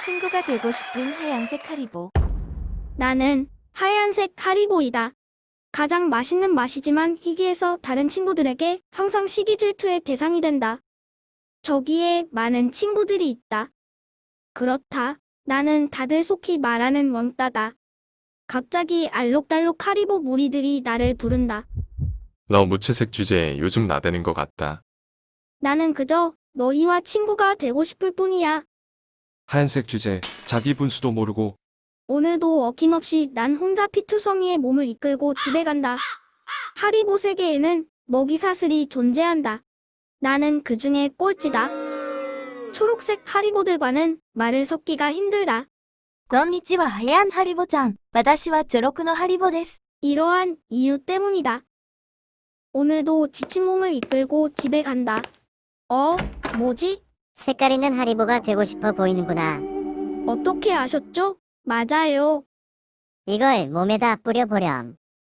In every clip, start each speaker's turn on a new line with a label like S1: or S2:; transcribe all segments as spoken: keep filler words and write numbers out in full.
S1: 친구가 되고 싶은 하얀색 하리보.
S2: 나는 하얀색 하리보이다. 가장 맛있는 맛이지만 희귀해서 다른 친구들에게 항상 시기 질투의 대상이 된다. 저기에 많은 친구들이 있다. 그렇다. 나는 다들 속히 말하는 왕따다. 갑자기 알록달록 하리보 무리들이 나를 부른다.
S3: 너 무채색 주제에 요즘 나대는 것 같다.
S2: 나는 그저 너희와 친구가 되고 싶을 뿐이야.
S4: 하얀색 주제, 자기 분수도 모르고
S2: 오늘도 어김없이 난 혼자 피투성이의 몸을 이끌고 집에 간다. 하리보 세계에는 먹이사슬이 존재한다. 나는 그 중에 꼴찌다. 초록색 하리보들과는 말을 섞기가 힘들다.
S1: こんにちは、ハヤンハリボちゃん。私はチョロクのハリボです。
S2: 이러한 이유 때문이다. 오늘도 지친 몸을 이끌고 집에 간다. 어? 뭐지?
S5: 색깔 있는 하리보가 되고 싶어 보이는구나.
S2: 어떻게 아셨죠? 맞아요.
S5: 이걸 몸에다 뿌려보렴.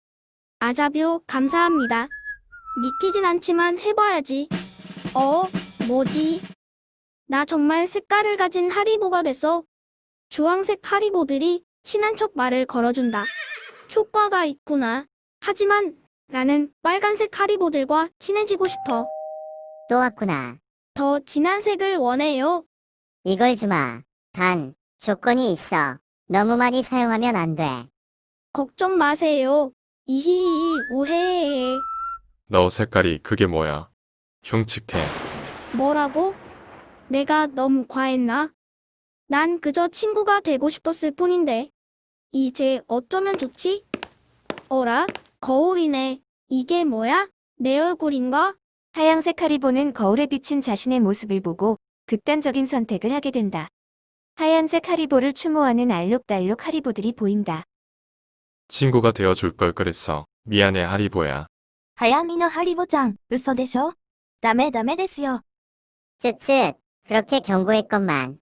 S2: 아자뷰 감사합니다. 믿기진 않지만 해봐야지. 어? 뭐지? 나 정말 색깔을 가진 하리보가 됐어. 주황색 하리보들이 친한 척 말을 걸어준다. 효과가 있구나. 하지만 나는 빨간색 하리보들과 친해지고 싶어.
S5: 또 왔구나.
S2: 더 진한 색을 원해요.
S5: 이걸 주마. 단, 조건이 있어. 너무 많이 사용하면 안 돼.
S2: 걱정 마세요. 이히히히 우헤헤헤.
S3: 너 색깔이 그게 뭐야? 흉측해.
S2: 뭐라고? 내가 너무 과했나? 난 그저 친구가 되고 싶었을 뿐인데. 이제 어쩌면 좋지? 어라? 거울이네. 이게 뭐야? 내 얼굴인가?
S1: 하얀색 하리보는 거울에 비친 자신의 모습을 보고 극단적인 선택을 하게 된다. 하얀색 하리보를 추모하는 알록달록 하리보들이 보인다.
S3: 친구가 되어줄 걸 그랬어. 미안해 하리보야.
S1: はやみのハリボちゃん、嘘でしょ？ダメダメですよ。
S5: 쯧쯧. 그렇게 경고했건만.